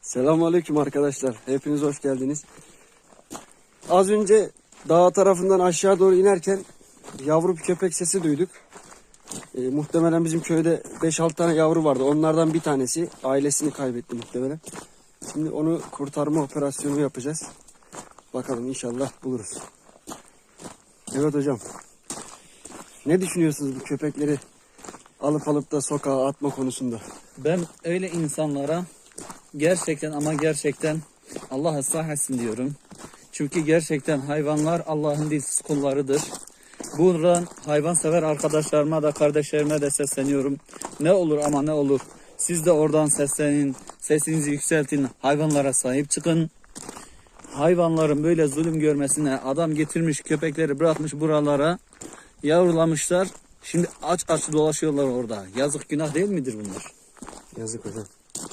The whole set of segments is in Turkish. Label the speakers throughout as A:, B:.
A: Selamünaleyküm arkadaşlar. Hepiniz hoş geldiniz. Az önce dağ tarafından aşağı doğru inerken yavru bir köpek sesi duyduk. Muhtemelen bizim köyde 5-6 tane yavru vardı. Onlardan bir tanesi ailesini kaybetti muhtemelen. Şimdi onu kurtarma operasyonu yapacağız. Bakalım inşallah buluruz. Evet hocam. Ne düşünüyorsunuz bu köpekleri alıp da sokağa atma konusunda?
B: Ben öyle insanlara gerçekten ama gerçekten Allah ıslah etsin diyorum. Çünkü gerçekten hayvanlar Allah'ın dilsiz kullarıdır. Buradan hayvansever arkadaşlarıma da kardeşlerime de sesleniyorum. Ne olur ama ne olur. Siz de oradan seslenin, sesinizi yükseltin, hayvanlara sahip çıkın. Hayvanların böyle zulüm görmesine adam getirmiş köpekleri bırakmış buralara, yavrulamışlar. Şimdi aç dolaşıyorlar orada. Yazık günah değil midir bunlar?
A: Yazık hocam.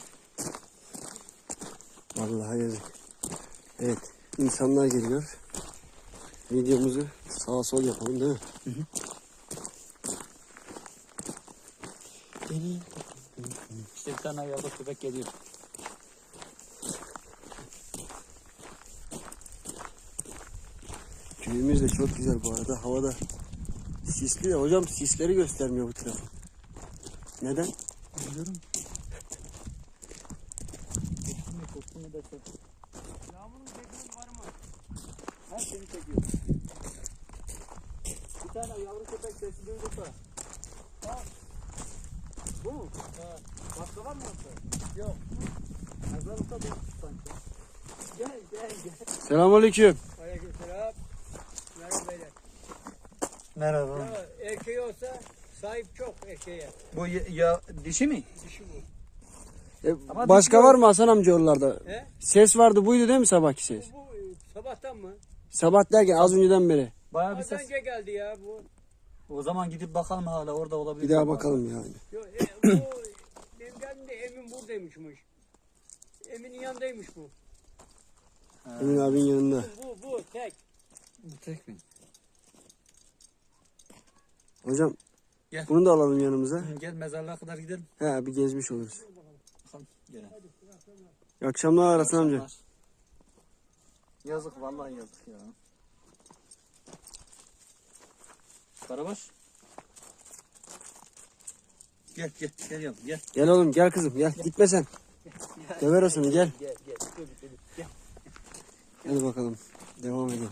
A: Vallahi yazık. Evet. İnsanlar geliyor. Videomuzu sağa sol yapalım değil mi?
B: Hı hı. İşte bir tane yavru köpek geliyor.
A: Köyümüz de çok güzel bu arada. Havada sisli ya. Hocam sisleri göstermiyor bu taraf. Neden?
B: Biliyorum.
C: Yağmurun çekimi var mı?
B: Her seni çekiyor. Bir tane yavru köpek sesi duyduk da. Bu mu?
C: Ha.
B: Başka var mı orada?
C: Yok.
B: Mezarlıkta duyduk sanki. Gel.
A: Selamünaleyküm.
C: Aleykümselam. Merhaba beyler.
B: Merhaba.
C: Ya erkeği olsa sahip çok erkeğe.
B: Bu ya dişi mi?
C: Dişi bu.
B: Ama
A: Başka
B: dişi
A: var mı Hasan amca oralarda?
C: He?
A: Ses vardı buydu değil mi sabahki ses?
C: Bu sabahtan mı?
A: Sabah derken az önceden beri.
B: Bayağı bir
C: Az
B: ses.
C: önce geldi ya bu.
B: O zaman gidip bakalım hala orada olabilir.
A: Bir daha bakalım yani.
C: Yo, bu benim geldiğimde Emin buradaymışmış. Emin'in yanındaymış bu.
A: Emin abinin yanında.
C: Bu tek.
B: Bu tek mi?
A: Hocam
B: Gel.
A: bunu da alalım yanımıza.
B: Gel mezarlığa kadar gidelim.
A: He bir gezmiş oluruz.
B: Bakalım. Gel.
A: İyi akşamlar Hasan amca.
B: Yazık vallahi yazık ya. Karabaş. Gel yavrum gel.
A: Gel oğlum gel kızım gel. Gitme sen. Döver o seni gel.
B: Gel.
A: Hadi bakalım. Devam edelim.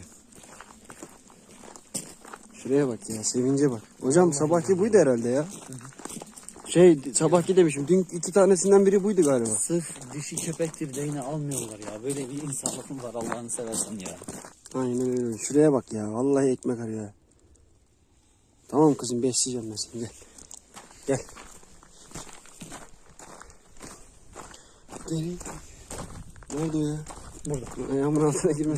A: Şuraya bak ya. Sevince bak. Hocam sabahki buydu herhalde ya. Sabahki demişim. Dün 2 tanesinden biri buydu galiba.
B: Sırf dişi köpektir de yine almıyorlar ya. Böyle bir insanlık mı var Allah'ını seversen ya.
A: Aynen öyle. Şuraya bak ya. Vallahi ekmek arıyor ya. Tamam kızım besleyeceğim ben seni. Gel. Gel. Gel. Nerede o ya?
B: Burada.
A: Ayağımın altına girme.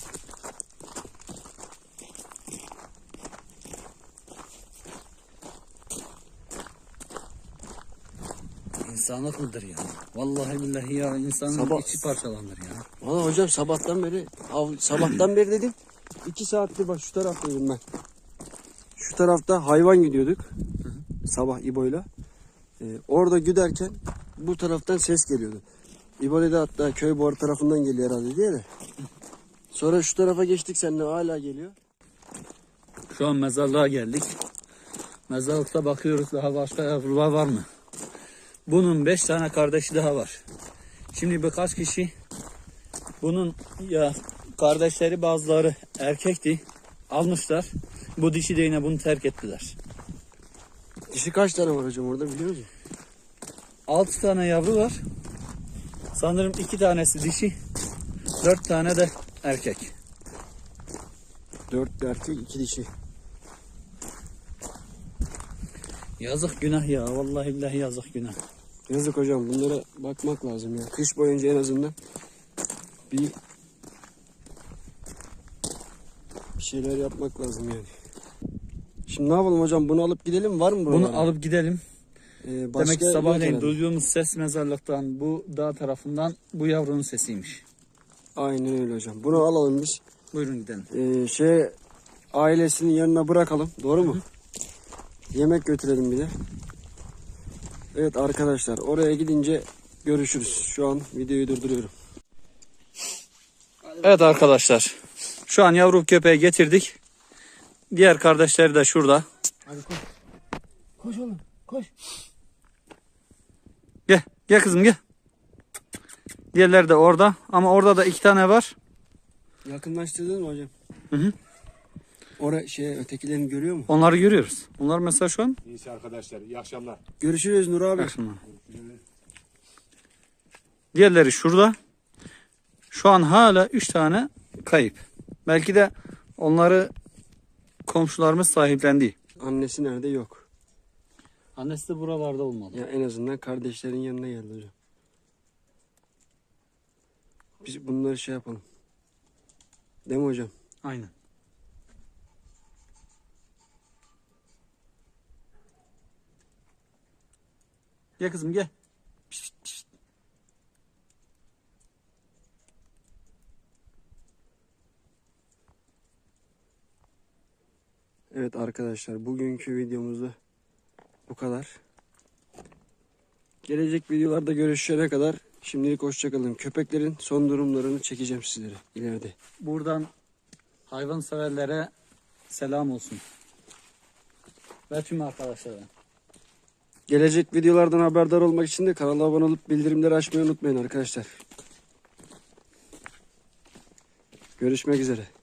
B: İnsanlık mıdır ya? Vallahi billahi ya insanın
A: Sabah-
B: içi parçalanır ya.
A: Valla hocam sabahtan beri dedim. 2 saattir bak şu taraftaydım ben. Şu tarafta hayvan gidiyorduk. Sabah İbo'yla. Orada giderken bu taraftan ses geliyordu. İbo dedi hatta köy bu tarafından geliyor herhalde diye de. Sonra şu tarafa geçtik seninle hala geliyor.
B: Şu an mezarlığa geldik. Mezarlıkta bakıyoruz daha başka yavrular var mı? Bunun 5 tane kardeşi daha var. Şimdi birkaç kişi bunun ya kardeşleri bazıları erkekti. Almışlar. Bu dişi de yine bunu terk ettiler.
A: Dişi kaç tane var hocam orada biliyor musun?
B: 6 tane yavru var. Sanırım 2 tanesi dişi. 4 tane de erkek.
A: 4 erkek 2 dişi.
B: Yazık günah ya. Vallahi billahi yazık günah.
A: Yazık hocam bunlara bakmak lazım ya. Kış boyunca en azından bir şeyler yapmak lazım yani. Şimdi ne yapalım hocam bunu alıp gidelim var mı buralarda?
B: Bunu alıp gidelim.
A: Başka
B: Demek ki
A: yok
B: sabahleyin
A: herhalde.
B: duyduğumuz ses mezarlıktan bu dağ tarafından bu yavrunun sesiymiş.
A: Aynen öyle hocam. Bunu alalım biz.
B: Buyurun gidelim.
A: Ailesinin yanına bırakalım. Doğru mu? Yemek götürelim bir de. Evet arkadaşlar oraya gidince görüşürüz. Şu an videoyu durduruyorum.
B: Evet arkadaşlar. Şu an yavru köpeği getirdik. Diğer kardeşleri de şurada.
A: Hadi koş. Koş oğlum koş.
B: Gel. Gel kızım gel. Diğerleri de orada. Ama orada da 2 tane var.
A: Yakınlaştırdın mı hocam?
B: Hı hı.
A: Ötekilerini görüyor mu?
B: Onları görüyoruz. Onlar mesela şu an.
D: İyisi arkadaşlar. İyi akşamlar.
A: Görüşürüz Nur abi.
B: Akşamlar. Diğerleri şurada. Şu an hala 3 tane kayıp. Belki de onları komşularımız sahiplendi.
A: Annesi nerede? Yok.
B: Annesi de buralarda olmalı.
A: Ya en azından kardeşlerin yanına geldi hocam. Biz bunları şey yapalım. Değil mi hocam?
B: Aynen. Gel kızım gel. Pişt, pişt.
A: Evet arkadaşlar, bugünkü videomuzda bu kadar. Gelecek videolarda görüşene kadar şimdilik hoşçakalın. Köpeklerin son durumlarını çekeceğim sizlere ileride.
B: Buradan hayvan severlere selam olsun. Ve tüm arkadaşlara.
A: Gelecek videolardan haberdar olmak için de kanala abone olup bildirimleri açmayı unutmayın arkadaşlar. Görüşmek üzere.